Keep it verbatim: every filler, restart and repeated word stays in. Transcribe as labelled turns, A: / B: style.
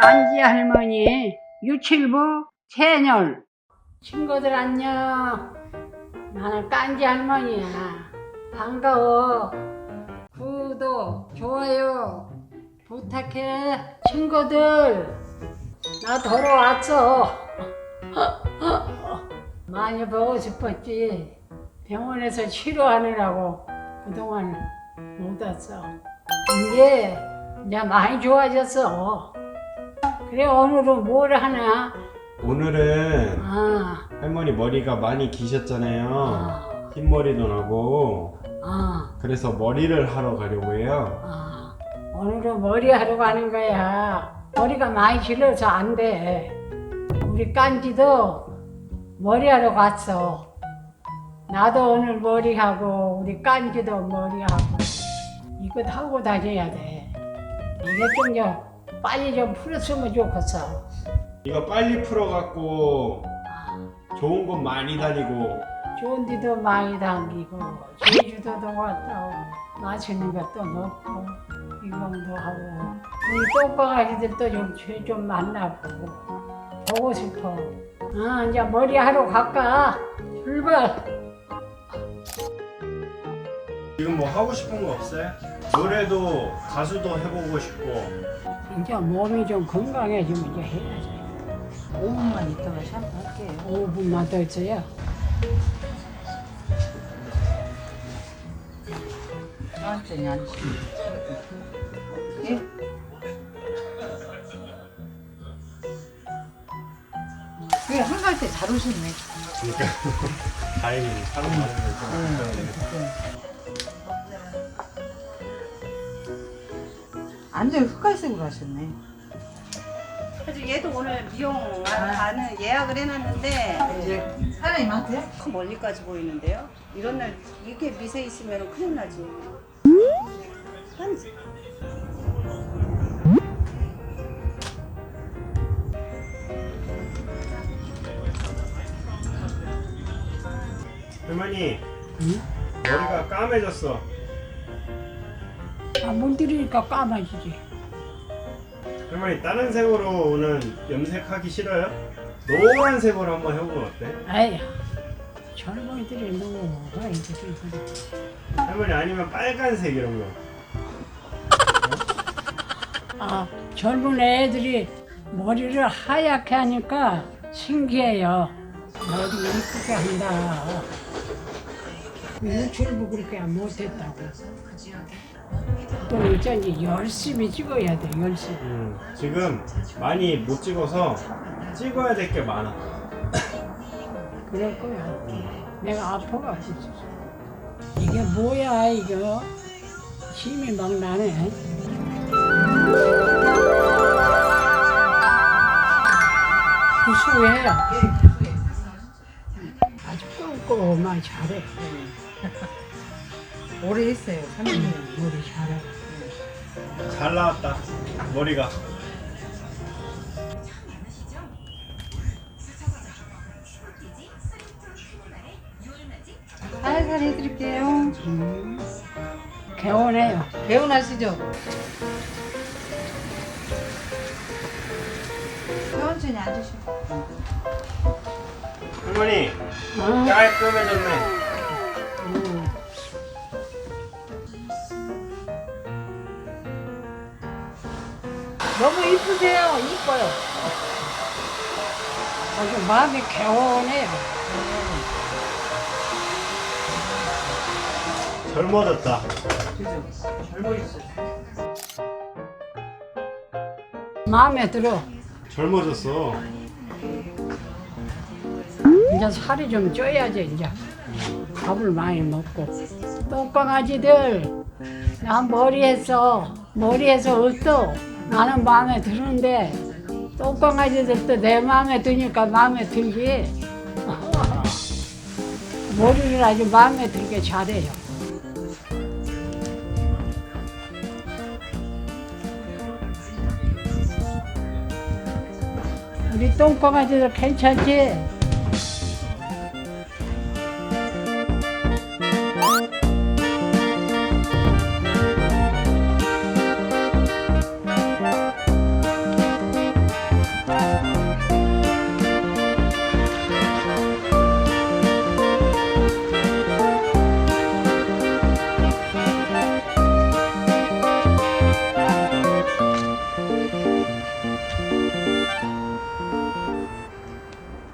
A: 깐지 할머니 유칠부 채널 친구들 안녕. 나는 깐지 할머니야. 반가워. 구독 좋아요 부탁해. 친구들 나 돌아왔어. 많이 보고 싶었지. 병원에서 치료하느라고 그동안 못 왔어. 이제 이제 많이 좋아졌어. 그래 오늘은 뭘 하나?
B: 오늘은
A: 아,
B: 할머니 머리가 많이 기셨잖아요.
A: 아,
B: 흰머리도 나고.
A: 아,
B: 그래서 머리를 하러 가려고 해요.
A: 아. 오늘은 머리 하러 가는 거야. 머리가 많이 길어서 안 돼. 우리 깐지도 머리 하러 갔어. 나도 오늘 머리 하고 우리 깐지도 머리 하고 이거 하고 다녀야 돼. 이게 좀 좀 빨리 좀 풀었으면 좋겠어.
B: 이거 빨리 풀어갖고 좋은 곳 많이 다니고.
A: 좋은 데도 많이 다니고 제주도도 갔다 오고 맛있는 것도 먹고 이공도 하고 우리 똥강아지들도 좀, 좀 만나보고 보고 싶어. 아 이제 머리 하러 갈까? 출발!
B: 지금 뭐 하고 싶은 거 없어요? 노래도 가수도 해보고 싶고.
A: 이제 몸이 좀 건강해지면 이제 해야지.
C: 오 분만 있다가 샴푸할게요.
A: 오 분만 더 있어요.
C: 천천히 앉으시면. 예? 그래, 한갈 때 잘 오셨네.
B: 그러니까 다행히 사람 많으면.
C: 완전 흑갈색으로 하셨네.
D: 사실 얘도 오늘 미용 가는 예약을 해놨는데
C: 이제 사장님한테?
D: 그 멀리까지 보이는데요. 이런 날 이게 미세 있으면 큰일 나지. 한
B: 할머니
A: 응?
B: 머리가 까매졌어.
A: 아, 물 들이니까 까마지지.
B: 할머니 다른 색으로 오늘 염색하기 싫어요? 노란색으로 한번 해보면 어때?
A: 아야 젊은이들이 누가 이들이 그래.
B: 할머니 아니면 빨간색 이런 거.
A: 아, 젊은 애들이 머리를 하얗게 하니까 신기해요. 머리 이쁘게 한다. 유출부 그렇게 못했다고. 또 어쩐지 열심히 찍어야 돼, 열심히.
B: 음, 지금 많이 못 찍어서 찍어야 될 게 많아.
A: 그럴 거야. 내가 아파가지고. 이게 뭐야, 이거? 힘이 막 나네. 구수해. 아주 꼼꼼하게 잘해.
C: 오래 했어요, 삼 년.
A: 머리 잘해.
B: 잘 나왔다 머리가.
C: 살살 해드릴게요.
A: 음, 개운해요.
C: 개운하시죠? 천천히 앉으시고.
B: 할머니
A: 어?
B: 깔끔해졌네.
A: 음.
C: 너무 이쁘세요. 이뻐요.
A: 아주 마음이 개운해요.
B: 젊어졌다.
C: 그죠? 젊어졌어요.
A: 마음에 들어.
B: 젊어졌어.
A: 이제 살이 좀 쪄야지, 이제. 밥을 많이 먹고. 똥강아지들, 나 머리 했어. 머리 해서 어떠? 나는 마음에 드는데, 똥강아지들도 내 마음에 드니까 마음에 들지. 머리를 아주 마음에 들게 잘해요. 우리 똥강아지들 괜찮지?